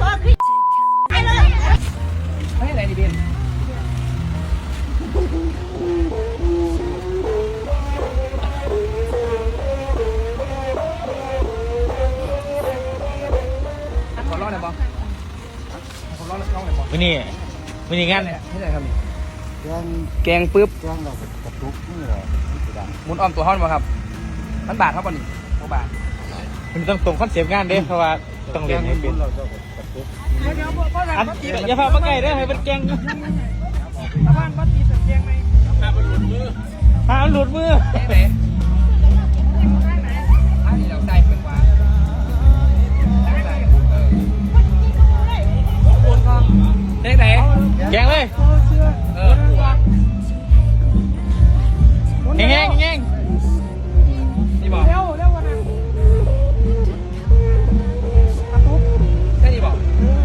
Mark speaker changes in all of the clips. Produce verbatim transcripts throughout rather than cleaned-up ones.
Speaker 1: ให้อะไรดีเบนขอร้องหน่อยบอขอร้องหน่อยบอ
Speaker 2: วันนี้วันนี้งาน
Speaker 1: เนี่ยให้ไหนครับนี่
Speaker 3: แกง
Speaker 1: แกงปึ๊บ
Speaker 3: แกงเรากระตุกนี่แหละที่ดัง
Speaker 1: หมุนอ้อมตัวห้อนมาครับมันบาทเท่ากันนี่หกบาท
Speaker 2: มันต้องตรงคอนเซปต์งานเด้เพราะว่าต้องเรียนให้เป็น
Speaker 3: เราจะกระตุก
Speaker 1: เดี๋ยวพ่อทำ
Speaker 2: อัน
Speaker 1: บัตตี
Speaker 2: อย่าพามาใกล้เด้อให้เป็นแกง
Speaker 1: ทำบ้านบัตตีแบบแกงไหม
Speaker 2: พาหลุดมือ
Speaker 1: แกงไหนอันนี้เราได้เป็นว่าแกงไหน
Speaker 2: แกงเลย
Speaker 1: เออ
Speaker 2: แง่งแง่งแง่ง
Speaker 1: นี่บอกเร็วเร็วกว่านั้นกระตุกแค่นี้บอก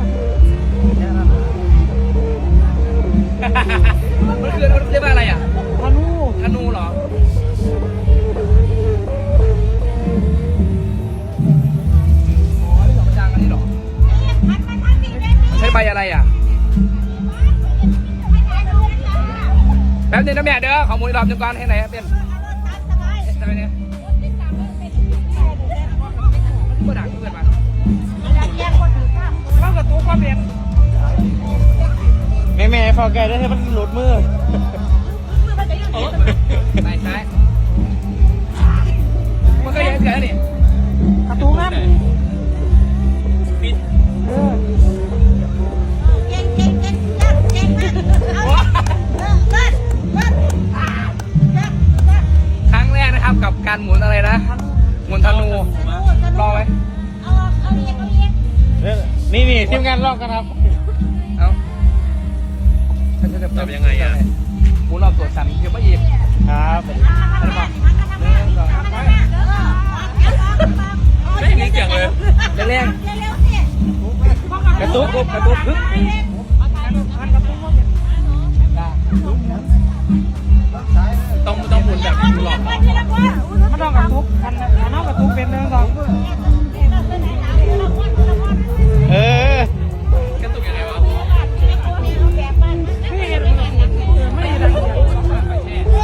Speaker 1: มันคือเรียกว่าอะไรอ่ะธนูธนูเหรออ๋อนี่ดอกประจางอันนี้เหรอใช้ใบอะไรอ่ะแป๊บนึงนะแม่เด้อขอหมุนรอบนึงก่อนให้ไหนเป็นทำไมเนี่ยก็ด่าเพื่อนมาเข้ากับตัวความเรียน
Speaker 2: แม่แม่พอใกล้เด้อให้มันหลุดมือ
Speaker 1: ไม่ใช่มันก็ยังเกิดนี่กระตุ้งนั่นปิดครั้งแรกนะครับกับการหมุนอะไรนะหมุนธนูลองไหม
Speaker 2: นี่นี่ทีมงานลอกกันครับ
Speaker 1: เอาทำยังไงอ่ะหมุนรอบตัวสั่นเดี๋ยวไม่หยิบ
Speaker 2: ครับ
Speaker 1: อะไรบ้างหนึ่งสองสามไปไม่มีเสียงเลยแรงๆกระตุกกระตุกฮึบต้องต้องหมุนแบบหลอกไม่ต้องกระตุกคันคันเอากระตุกเป็นหนึ่งสอง
Speaker 2: เออก
Speaker 1: ระตุกยังไงวะไม่เห็นไม่เห็น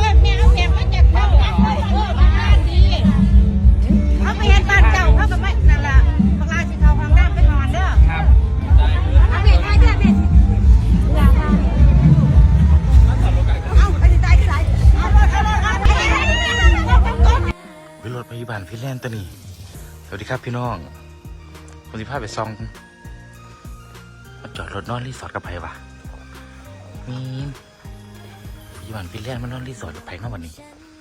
Speaker 2: วิรถพยาบาลฟินแลนด์ตัวนี้สวัสดีครับพี่น้องผมจะพาไปซองมาจอดรถนอนรีสอร์ทกับไผ่ปะมีพยาบาลฟินแลนด์มานอนรีสอร์ทกับไผ่เข้าวันนี้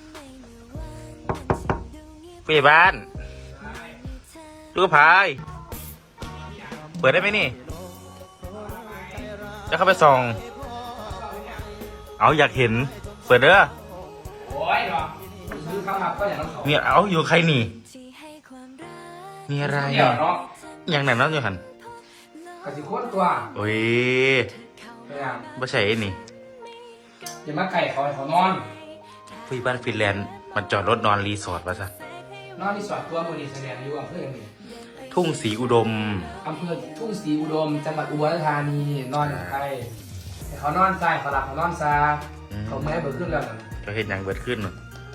Speaker 2: พยาบาลดูกระพายเปิดได้ไหมนี่จะเข้าไปส่องเอาอยากเห็นเปิดเด้อ
Speaker 1: โอ้ยเหรอซื้อข้าวมาก็อย่างนั้นสอง
Speaker 2: เนี่ยเอาอยู่ใครนี่มีอะไร
Speaker 1: เดี๋ยวเนาะ
Speaker 2: อย่างไหนนั่นอยู่หัน
Speaker 1: กระสิโค้นตัว
Speaker 2: โอ้ย
Speaker 1: พยายาม
Speaker 2: ไม่ใช่ไอ้นี่
Speaker 1: อย่ามาไก่เขาให้เขานอน
Speaker 2: พี่บ้านฟินแลนด์มันจอดรถนอนรีสอร์ทมาซะ
Speaker 1: นอนที่สอดตัวมือดีแสดงอยู่อำเภออย่างนี้
Speaker 2: ทุ่งศรีอุดม
Speaker 1: อำเภอทุ่งศรีอุดมจังหวัดอุบลราชธานีนอนใครให้เขานอนซ้ายเขาหลับเขานอนซ้ายเขาไม่ให้เบิกขึ้นแล้วนั่น
Speaker 2: ก็เห็นอย่างเบิดขึ้น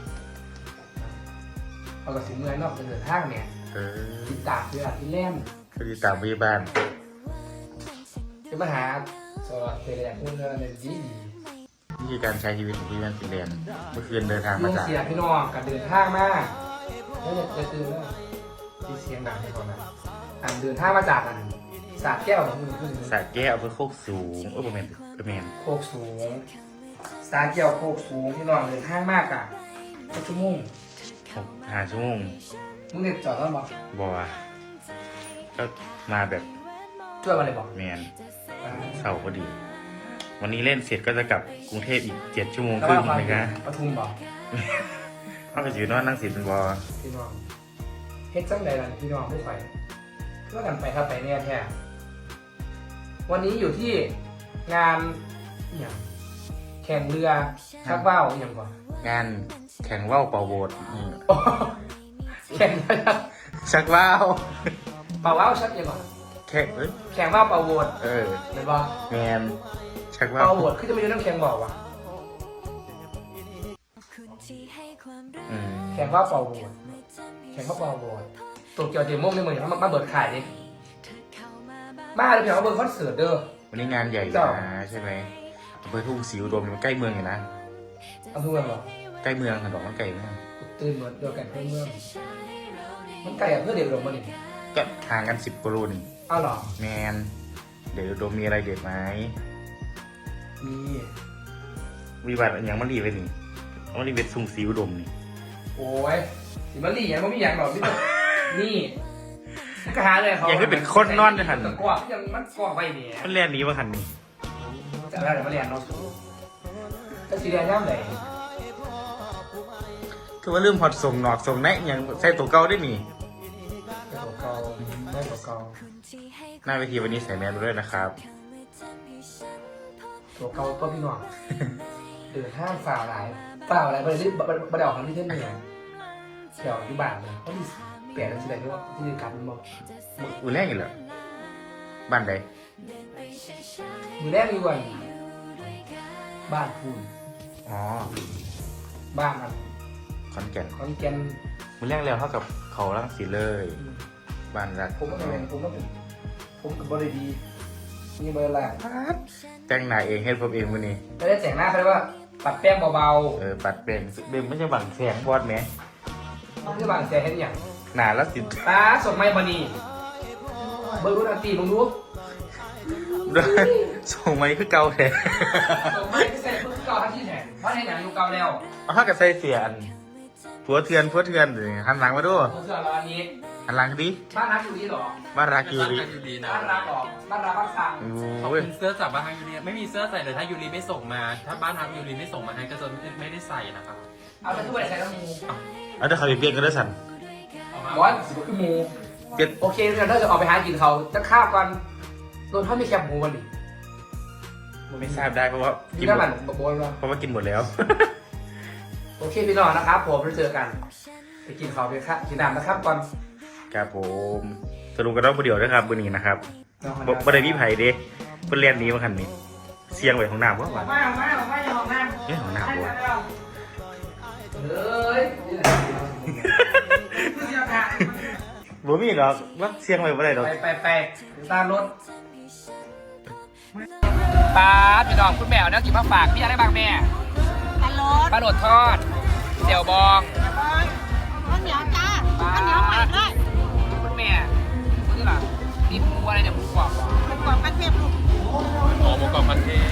Speaker 1: เอากระสิเมื่อยนอกเดินทางเนี่ย
Speaker 2: เออ
Speaker 1: ติดตากเรือที่แล่ม
Speaker 2: คดีตามพี่บ้าน
Speaker 1: จะมาหาสวัสดิ์เสด็จคุณเงินในดีดี
Speaker 2: วิธีการใช้ชีวิตของพี่บ้านฟินแลนด์เมื่อคืนเดินทาง
Speaker 1: ลุ
Speaker 2: มาง จาก
Speaker 1: เสียพี่น้องกับเดินทางมากแล้วจะตื่นแล้วที่เสียงดังให้เขานะอ่านเดินทางมาจากอันสาแก้วของมึงขึ้น
Speaker 2: สาแก้วอำเภอโคกสูงเออประเมนประเมน
Speaker 1: โคกสูงสาแก้วโคกสูงพี่น้องเดินทางมากอ่ะก็ชั่วโมง
Speaker 2: หกห้าชั่วโมง
Speaker 1: มึงเด็ดจอดแล้วบอก
Speaker 2: บัวก็มาแบบ
Speaker 1: ช่วยมาเลยบอก
Speaker 2: แมน
Speaker 1: อ่า
Speaker 2: เสาร์พอดี วันนี้เล่นเสร็จก็จะกลับกรุงเทพอีกเจ็ดชั่วโมง
Speaker 1: แล้ว
Speaker 2: ครึ่ง
Speaker 1: ว่า
Speaker 2: นะคะ
Speaker 1: ปทุมบอก
Speaker 2: เขาก็อยู่นอนนั่งสิเป็นบอ
Speaker 1: พี่น้องเฮ็ดจังใดล่ะพี่น้องไม่ไปเพื่อกันไปครับไปเนี่ยแท้วันนี้อยู่ที่งานอย่างแข่งเรือชักว่าวอย่างก่อน
Speaker 2: งานแข่งว่าวเป่าโบสนี่
Speaker 1: แข่งเรือ
Speaker 2: ชักว่าว
Speaker 1: เป่าว่าวชักอย่างก่อน
Speaker 2: แข่งเอ้ย
Speaker 1: แข่งว่าเป่าโหวต
Speaker 2: เออ
Speaker 1: เห็นป่ะ
Speaker 2: แมนชักว่า
Speaker 1: เป่าโหวตคือจะไม่ได้น้ำแข่งบอกว่ะ
Speaker 2: อืม
Speaker 1: แข่งว่าเป่าโหวตแข่งว่าเป่าโหวตตัวเกี่ยวเดโม่ในเมืองมามาเบิดขายดิมาเลยเพียงว่าเบิร์คอนเสิร์ตเด้อ
Speaker 2: วันนี้งานใหญ่อยู่นะใช่ไหมอำเภอทุ่งศรีอุดมมันใกล้เมืองอยู่นะ
Speaker 1: อำเภอเมืองเหรอ
Speaker 2: ใกล้เมืองค่ะบอกว่าใกล้เมือง
Speaker 1: ตื่นเหมือนเดียวกันเพื่อนเมืองมันไกลอะเพื่อเด็กหลงมาดิ
Speaker 2: ก็ห่างกันสิบกิโลนี่
Speaker 1: อ้าวเหรอ
Speaker 2: แมนเดี๋ยวอุดมมีอะไรเด็ดไหม
Speaker 1: มี
Speaker 2: วิบัติอย่างมันรีไปนี่มันรีเป็นทุ่งศรีอุดมนี่
Speaker 1: โอ้ยสิมาลี่ยังไม่มีอย่างหรอกพี่นี่ก็หาเลยเขา
Speaker 2: อย่างที่เป็นคนนอนเลยหัน
Speaker 1: ตะกวกยังมันกวกไปเนี่ย
Speaker 2: มันเรียนหนี้มาหันนี่
Speaker 1: จะอะไรมาเรียนเนาะจะสีแดงย่ำไหน
Speaker 2: คือว่าลืมพอดส่งหนอกส่งแนะอย่างใส่ตัวเก่าได้นี่
Speaker 1: ได้ตัวเก่าได้ตัวเก่า
Speaker 2: หน้าเวทีวันนี้ใส่แมสด้วยนะครับ
Speaker 1: ตัวเก่าตัวพี่น้องเดือดห้ามฝ่าหลายฝ่าอะไรไปรีบไปเดาของที่เท่นเนี่ยเดี๋ยวอยู่บ้านเลยเขามีเปลี่ยนอะไรที่ว่าที่เรียนกลับมันบอก
Speaker 2: มือแรกอยู่เหรอบ้านใด
Speaker 1: มือแรกมีวันบ้านพูน
Speaker 2: อ๋อ
Speaker 1: บ้านมัน
Speaker 2: ขอนแก่น
Speaker 1: ขอนแก่น
Speaker 2: มือแรกแล้วเท่ากับเขาลังสีเลย บ้านรัก
Speaker 1: ผมก็เป็นผมก็เป็นผมกับบริดีมีเบอร์ละ
Speaker 2: แต่งหน้าเองเฮ็ดผมเองวันนี้
Speaker 1: ไม่ได้แต่งหน้าเขาเรียกว่าปัดแป้งเบา
Speaker 2: เออปัดแปลงเบมไม่ใช่บังแสงบอดแหม
Speaker 1: ๆไม่ใช่บางแสนเห็นอย่าง
Speaker 2: หนาแล้วสิ
Speaker 1: ตาสดไม่บานีเบอร์รุ่นอันตีมึงรู้
Speaker 2: ส่งมาคือเก่าแท้
Speaker 1: สดไม่ใส่เพิ่งเก่าทันทีแทนเพราะในหนังอยู่เก่าแล้ว
Speaker 2: เอาถ้ากับใส่เสียอันผัวเทือนผัวเทือนเลยหันหลังมาดู
Speaker 1: ผมเชื่อเราอันนี้
Speaker 2: หันหลังดิ
Speaker 1: บ้านรักอยู่นี่หรอ
Speaker 2: บ้านรักยูริ
Speaker 1: บ้านรักหรอบ้านรักบ้านซัง
Speaker 4: ขอบ
Speaker 2: โอ้ย
Speaker 4: คุณเสื้อจากบ้านฮักยูรีไม่มีเสื้อใส่เลยถ้ายูรีไม่ส่งมา ถ้าบ้านฮักยูรีไม่ส่งมาให้ก็จะไม่ได้ใส่นะครับ
Speaker 1: เอาไปทุกวันใส่น้ำมู
Speaker 2: เอาแต่เขาไปเปลี่ยนกันด้วยสัน
Speaker 1: บอสสิบคือมู
Speaker 2: เปลี่ยน
Speaker 1: โอเคงั้นเราจะออกไปหากินเขาจะข้าวกันโดนเขาไม่แคบหมูวันนี้
Speaker 2: ไม่ทราบได้เพราะว่า
Speaker 1: กิ
Speaker 2: กิ
Speaker 1: น
Speaker 2: นห
Speaker 1: น้ำ
Speaker 2: ม
Speaker 1: มั
Speaker 2: ด
Speaker 1: นบวมแล้ว
Speaker 2: เพราะว่ากินหมดแล้ว
Speaker 1: โอเคพี่น้องนะครับผมไปเจอกันไปกินข้าวไปครับกินน้ำนะครับก่อน
Speaker 2: ครับผมสรุปกันรอบผู้เดียวนะครับวันนี้นะครับบ่บ่ได้มีไผ่เด้เพิ่นเรียนหนี้มาคันนี้เสียงไว้ของน้ำบ่
Speaker 1: ออก
Speaker 2: ว่า
Speaker 1: มาออกมาออกมาอย่าออกน้ำ
Speaker 2: เอ๊ะของน้ำบ่วะ
Speaker 1: เฮ้ยนี่แหละเสียผ่าน
Speaker 2: บ่มีหรอกว่าเสียงไว้บ่ได้ดอก
Speaker 1: ไปไปไปตามรถป้าพี่น้องคุณแมวนะกินผักฝากพี่อะไรบ้างแม่
Speaker 5: ปลาโรส
Speaker 1: ปลาโดดทอดเสี่ยวบอง
Speaker 5: ข้าวเหนียวจ้าข้าวเหนียวใหม่ด้วย
Speaker 1: คุณแม่นี่ล่ะนี่หมูอะไรเนี่ยหมูกรอบเหรอ
Speaker 5: หมูกรอบกระเทียมลูก
Speaker 4: หอหมูกรอบมันเทศ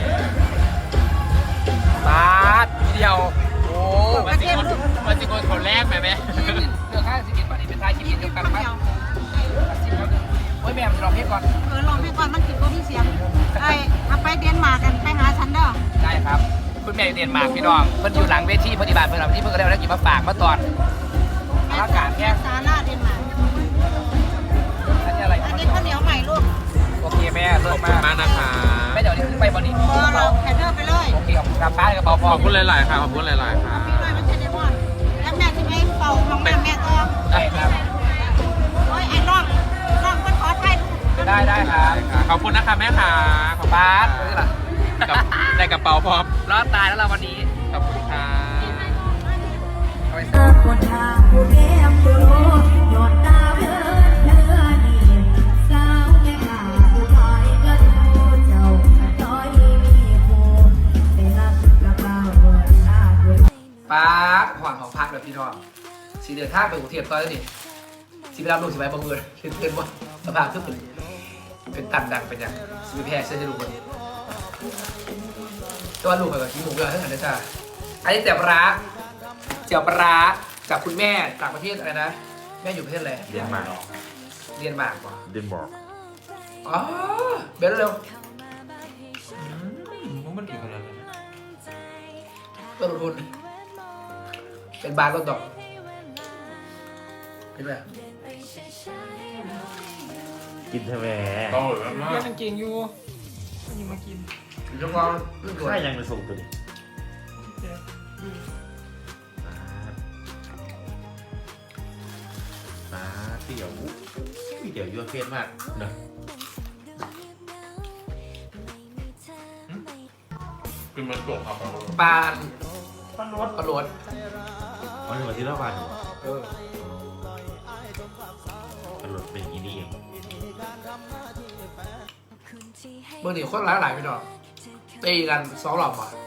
Speaker 1: ปาดทีเดียวโอ้
Speaker 4: มันจิโกนมันจิโกนคนแรกไหมแม่
Speaker 1: เรื่องค่าสิบเอ็ดบาทนี่เป็นทายคิดเดียวกันครับสิบแล้วโอ้ยแม่ผมจะลองเพียก่อน
Speaker 5: เออลองให้ก่อนมันกินก็มีเสียงไอ้เอาไปเดนมาร์กกันไปหาฉันเด้อ
Speaker 1: ได้ครับ คุณแม่เรียนมากพี่น้องเพิ่นอยู่หลังเวทีปฏิบัติเพิ่นเอาที่เพิ่นก็ได้แล้วกินมาฝากมาตอนอากาศแค่
Speaker 5: ซาลาเดนมาร์ก
Speaker 1: อันนี้อะไร
Speaker 5: อันนี้ข้าวเหนียวใหม่ลูก
Speaker 1: โอเคแม่เลิศ
Speaker 4: ขอบคุ
Speaker 1: มาก
Speaker 4: ณมากนะคะ
Speaker 1: แม่เดี๋ยวนี้ขึ้นไปบอดี้
Speaker 5: พอเราแคนเดอร์ไปเลย
Speaker 1: โอเคขอบคุณครับป้าในกระเป๋าพ
Speaker 4: ข
Speaker 1: อ
Speaker 4: อบคุณหลายๆค่ะขอบคุณหลายๆค่ะ
Speaker 5: พี่ด้วยมันจะได้หมดแล้วแม่จะไม่เป่าของแม่แม่ตัว
Speaker 1: ได้ครับ
Speaker 5: โอ้ยไอ้น้องน้องมันขอไทย
Speaker 1: ได้ได้ครับ
Speaker 4: ขอบคุณนะคะแม่ค่ะขอบ
Speaker 1: ป้า
Speaker 4: คุณ
Speaker 1: นี่ล่ะ
Speaker 4: กับได้กระเป๋าพร้อม
Speaker 1: รอดตายแล้วเราวันนี้
Speaker 4: ขอบคุณค่ะ
Speaker 1: เอาไป
Speaker 6: คนทางผู้แก้มผู้โลยอดดาวเดินเนื้อนี่สาวแม่ขาผู้ชายก็ดูเจ้าจ้อยมีผู้ไปรับกระเป๋าเงินลาด้วย
Speaker 1: ป้าหอนของพักเลยพี่น้องสีเดือดท่าไปกรุงเทพตอนนี้สีไปรับลูกสีไปบังเอิญเห็นเพื่อนว่าสภาพคือเป็นเป็นตันดังเป็นอย่างสีแพร่เชื่อจะรู้คนตัวลูกกับกินหมูเยอะทั้งนั้นเลยจ้าอันนี้เจียวปลาร้าเจียวปลาร้าจากคุณแม่ต่างประเทศอะไรนะแม่อยู่ประเทศอะไร
Speaker 2: เรียนมา
Speaker 1: เรียนมากกว่า
Speaker 2: เดนบอก
Speaker 1: อ๋อเบลเร็ว
Speaker 4: มันถึงขนาดนั้น
Speaker 1: ต้นทุนเป็นบาร์ต้นดอกเห็นไหม
Speaker 2: กินใช่ไหม
Speaker 4: โอ้ยมาก
Speaker 1: ยังเก่งอยู่ยังมากินลูกน้องลูกด่วน
Speaker 2: ใช่ยังไปส่งตัวนี้ปลาปลาเตี๋ยวมีเดี๋ยวยั่วเฟซมากเนอะ
Speaker 4: กินมันจบครับ
Speaker 1: ปลาปลาโรดปลาโรด
Speaker 2: วันนี้วันที่เล่าวัน
Speaker 1: เออ
Speaker 2: ตลอดเป็นอย่างนี้นี่เอง
Speaker 1: เมื่อนี้คนหลายหลายๆพี่น้องตีกันสองรอบว่ะ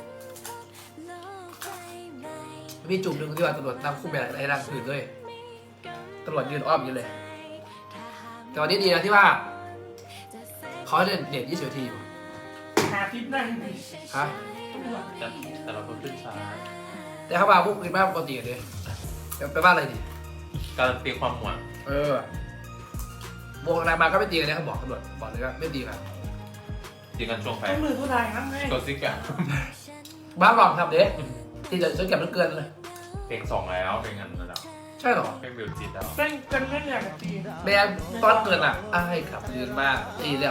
Speaker 1: มีจุ่มหนึ่งที่ว่าตำรวจนำคู่แบบไอ้รังผืนด้วยตำรวจยืนอ้อมอยู่เลย แต่วันนี้ดีนะที่ว่าเขาเล่นเน็ตยี่สิบนาทีอยู่
Speaker 7: หาทิปนั่ง
Speaker 1: ฮะ
Speaker 4: แต่แต่เราก็ขึ้นช้า
Speaker 1: แต่เขามาพวกกินบ้านปกติกันเลยไปบ้านอะไรดี
Speaker 4: การันตีความหวาน
Speaker 1: เออวงอะไรมาก็ไม่ตีกันเนี่ยเขาบอกตำรวจบอกเลยว่าไม่ตีกัน
Speaker 4: ตีกันช่วงไฟ
Speaker 7: ต้องมือผู้ชายนั่งไง
Speaker 4: ตัวซิกอะ
Speaker 1: บ้านหลอกทำเด็ที่จะซื้อเก็บมันเกินเลย
Speaker 4: เพลงสองแล้วเพลงนั้นแล้ว
Speaker 1: ใช่หรอ
Speaker 4: เพลงบิวจิตแล้ว
Speaker 7: เต้นกันเล่นอย่างกับตี
Speaker 1: แม่ตอนเกินอ่ะอ้ายขับยืนมากตีแล้ว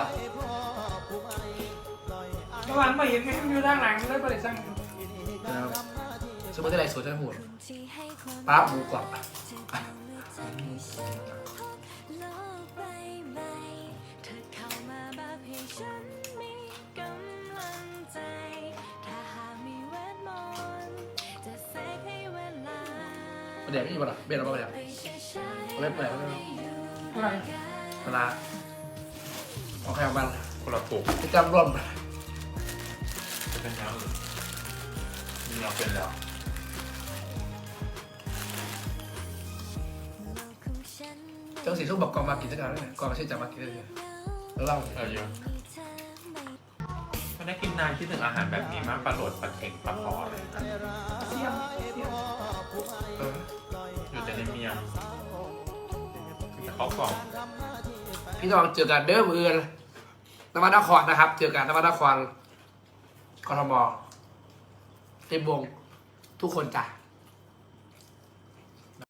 Speaker 7: เมื่อวานมาเห็นไงอยู่ด้านหลังแล้วบริษัท
Speaker 1: สมมติอะไรสวยจังหูป้าหมูกรอบเดี๋ยวไม่มีปัญหาเบนเอาไปแล้วเอาไปเปิดเอาไป
Speaker 7: อะไร
Speaker 1: เวลาเอาใครเอาบ้าง
Speaker 4: คนละถูก
Speaker 1: จะจำร่วม
Speaker 4: จะเป็นยังอื่นมีเราเป็นแล้ว
Speaker 1: เจ้าสีส้มบอกกองมากินสักการเลยกองมาชื่อจากมากินเลยแล้วเล่า
Speaker 4: เออเยอะไม่ได้กินนานคิดถึงอาหารแบบนี้มากปลาโหลดปลาเค็งปลาคออะไร
Speaker 7: เสียมเสียม
Speaker 1: เออ
Speaker 4: อยู่แต่ในเมียงแต่เขากล่อง
Speaker 1: พี่น้องเจอกันเด้อมือนนวัดนครนะครับ เจอกันนวัดนครกทมเต็มวงทุกคนจ้ะ